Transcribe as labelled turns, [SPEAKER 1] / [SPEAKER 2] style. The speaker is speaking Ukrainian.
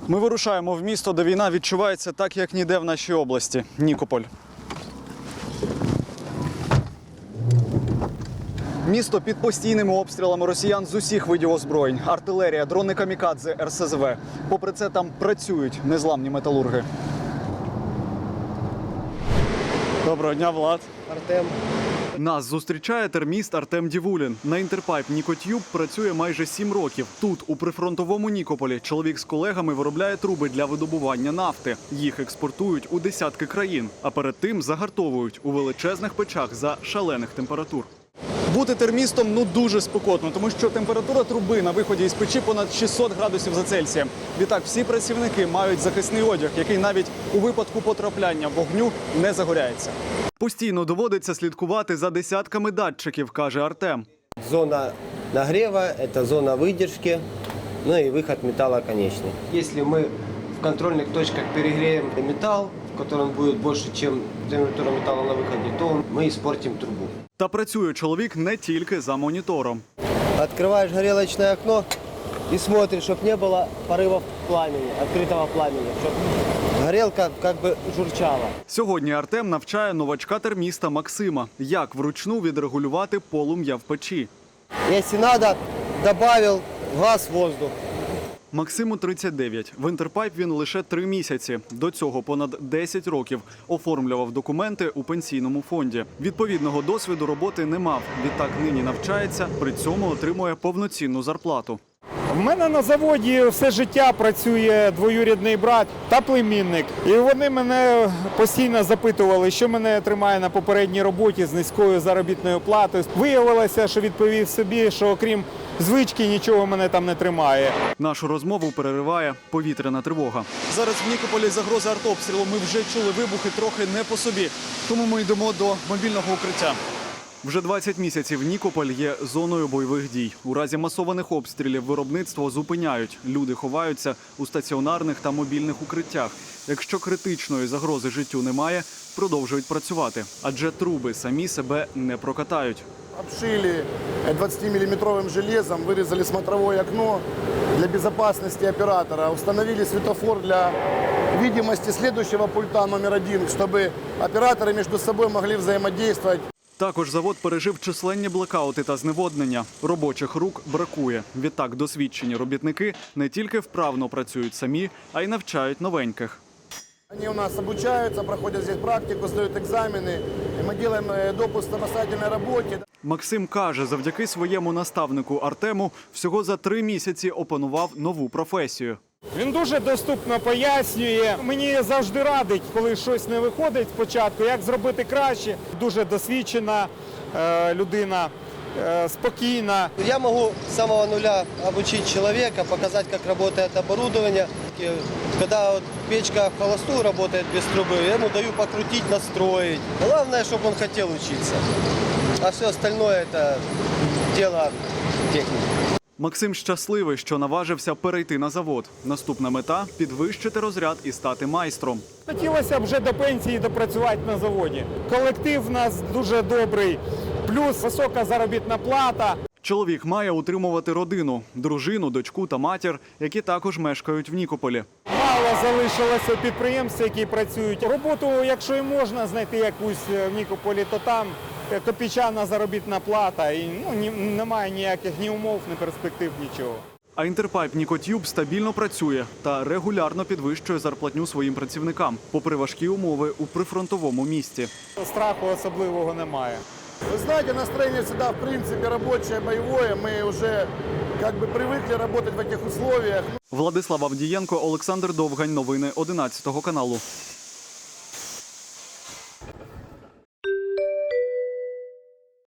[SPEAKER 1] Ми вирушаємо в місто, де війна відчувається так, як ніде в нашій області – Нікополь. Місто під постійними обстрілами росіян з усіх видів озброєнь. Артилерія, дрони камікадзе, РСЗВ. Попри це, там працюють незламні металурги. Доброго дня, Влад.
[SPEAKER 2] Артем.
[SPEAKER 1] Нас зустрічає терміст Артем Дівулін. На Інтерпайп Нікотюб працює майже 7 років. Тут, у прифронтовому Нікополі, чоловік з колегами виробляє труби для видобування нафти. Їх експортують у десятки країн, а перед тим загартовують у величезних печах за шалених температур. Бути термістом дуже спекотно, тому що температура труби на виході із печі понад 600 градусів за Цельсієм. Відтак всі працівники мають захисний одяг, який навіть у випадку потрапляння вогню не загоряється. Постійно доводиться слідкувати за десятками датчиків, каже Артем.
[SPEAKER 2] Зона нагрева – это зона выдержки, ну и выход металла конечный. Если мы в контрольных точках перегреем металл, в котором будет больше, чем температура металла на выходе, то мы испортим трубу.
[SPEAKER 1] Та працює чоловік не тільки за монітором.
[SPEAKER 2] Открываешь горелочное окно и смотришь, чтобы не было порывов пламени, открытого пламени, чтобы горелка как бы журчала.
[SPEAKER 1] Сьогодні Артем навчає новачка-терміста Максима, як вручну відрегулювати полум'я в печі.
[SPEAKER 2] Если надо, добавил газ, воздух.
[SPEAKER 1] Максиму 39. В Інтерпайп він лише 3 місяці. До цього понад 10 років оформлював документи у пенсійному фонді. Відповідного досвіду роботи не мав. Відтак нині навчається, при цьому отримує повноцінну зарплату.
[SPEAKER 3] В мене на заводі все життя працює двоюрідний брат та племінник. І вони мене постійно запитували, що мене тримає на попередній роботі з низькою заробітною платою. Виявилося, що відповів собі, що окрім звички нічого мене там не тримає.
[SPEAKER 1] Нашу розмову перериває повітряна тривога. Зараз в Нікополі загроза артобстрілу. Ми вже чули вибухи трохи не по собі. Тому ми йдемо до мобільного укриття. Вже 20 місяців Нікополь є зоною бойових дій. У разі масованих обстрілів виробництво зупиняють. Люди ховаються у стаціонарних та мобільних укриттях. Якщо критичної загрози життю немає, продовжують працювати. Адже труби самі себе не прокатають.
[SPEAKER 4] Обшили 20-миллиметровым железом, вырезали смотровое окно для безопасности оператора, установили светофор для видимости следующего пульта номер 1, чтобы операторы между собой могли взаимодействовать.
[SPEAKER 1] Також завод пережив численні блекаути та зневоднення. Робочих рук бракує. Відтак досвідчені робітники не тільки вправно працюють самі, а й навчають новеньких.
[SPEAKER 4] Они у нас обучаются, проходят здесь практику, сдают экзамены, и мы делаем допуск к самостоятельной работе.
[SPEAKER 1] Максим каже, завдяки своєму наставнику Артему всього за 3 місяці опанував нову професію.
[SPEAKER 3] Він дуже доступно пояснює. Мені завжди радить, коли щось не виходить спочатку, як зробити краще. Дуже досвідчена людина, спокійна.
[SPEAKER 2] Я могу с самого нуля обучить человека, показать, как работает оборудование. И когда вот печка в холостую работает без трубы, я ему даю покрутить, настроить. Главное, чтобы он хотел учиться. А все остальное – это дело техники.
[SPEAKER 1] Максим щасливий, що наважився перейти на завод. Наступна мета – підвищити розряд і стати майстром.
[SPEAKER 3] Хотілося б вже до пенсії допрацювати на заводі. Колектив у нас дуже добрий, плюс висока заробітна плата.
[SPEAKER 1] Чоловік має утримувати родину – дружину, дочку та матір, які також мешкають в Нікополі.
[SPEAKER 3] Мало залишилося підприємств, які працюють. Роботу, якщо і можна знайти якусь в Нікополі, то там копійчана заробітна плата. І немає ніяких ні умов, ні перспектив, нічого.
[SPEAKER 1] А Інтерпайп Нікотюб стабільно працює та регулярно підвищує зарплатню своїм працівникам, попри важкі умови у прифронтовому місті.
[SPEAKER 3] Страху особливого немає.
[SPEAKER 4] Вы знаете, настроение всегда, в принципе, рабочее, боевое. Мы уже как бы привыкли работать в этих условиях.
[SPEAKER 1] Владислав Авдієнко, Олександр Довгань. Новини 11 каналу.